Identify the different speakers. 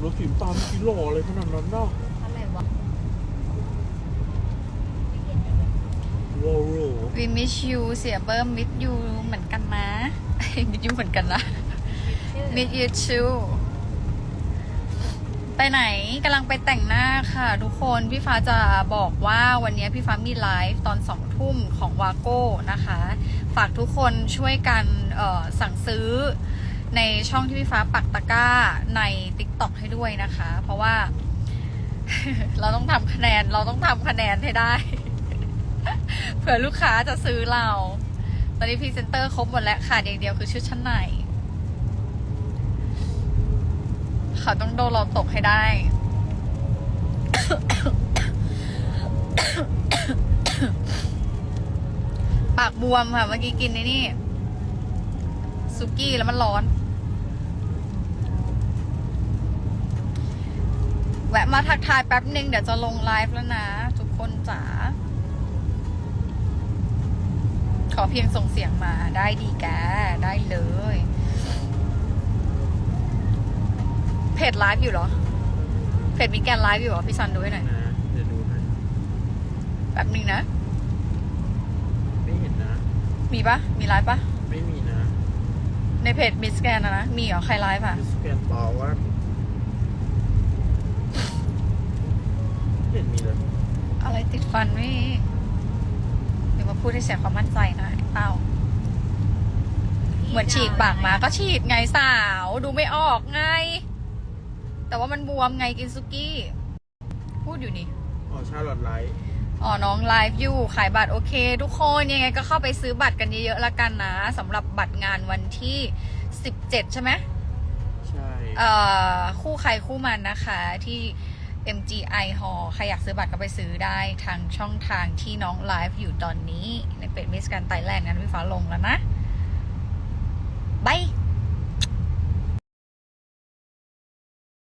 Speaker 1: รถสีน้ำตาลกิโลอะไรขนาดนั้นน่ะ
Speaker 2: อะไรวะ
Speaker 1: ว้าว
Speaker 3: We miss you เสียเบิ้ม miss you เหมือนกันนะ miss you เหมือนกันนะ miss you too ไปไหนกำลังไปแต่งหน้าค่ะทุกคนพี่ฟ้าจะบอกว่าวันนี้พี่ฟ้ามีไลฟ์ตอน2 ทุ่มของวาโก้นะคะ ฝากทุกคนช่วยกันสั่งซื้อในช่องที่พี่ฟ้าปักตะกร้าใน TikTok ให้ด้วยนะคะ เพราะว่า เราต้องทำคะแนนให้ได้ เผื่อลูกค้าจะซื้อเรา ตอนนี้พรีเซนเตอร์ครบหมดแล้วขาดอย่างเดียวคือชุดชั้นในเขาต้องโดนเราตกให้ได้ ปากบวมค่ะเมื่อกี้กินในนี่ซุกี้แล้วมันร้อน แวะมาทักทายแป๊บนึงเดี๋ยวจะลงไลฟ์แล้วนะ ทุกคนจ๋าขอเพียงส่งเสียงมาได้ดีแกได้เลยเพจไลฟ์อยู่เหรอเพจมีแกนไลฟ์อยู่เหรอพี่ซันดูให้หน่อย
Speaker 1: นะเดี๋ยวดูให้
Speaker 3: แป๊บนึงนะ
Speaker 1: ไม่เห็นนะ
Speaker 3: มีปะมีไลฟ์ปะ
Speaker 1: ไม่มีนะ
Speaker 3: ในเพจมิสแกนนะมีเหรอใครไลฟ์อะ
Speaker 1: สแกนต่อว่าไม่เห็นมีเลย
Speaker 3: อะไรติดฟันไม่เดี๋ยวมาพูดให้เสียความมั่นใจนะไอ้เต้าเหมือนฉีกปากมาก็ฉีดไงสาวดูไม่ออกไงแต่ว่ามันบวมไงกินซุกี้ พูดอยู่นี่
Speaker 1: อ๋อชาลอตไลท์
Speaker 3: อ๋อน้องไลฟ์อยู่ขายบัตรโอเค ทุกคนยังไงก็เข้าไปซื้อบัตรกันเยอะๆละกันนะสำหรับบัตรงานวันที่17ใช่ไหม
Speaker 1: ใช่
Speaker 3: คู่ใครคู่มันนะคะที่ MGI Hall ใครอยากซื้อบัตรก็ไปซื้อได้ทางช่องทางที่น้องไลฟ์อยู่ตอนนี้ในเพจมิสแกรนด์ไทยแลนด์งั้นพี่ฟ้าลงแล้วนะบาย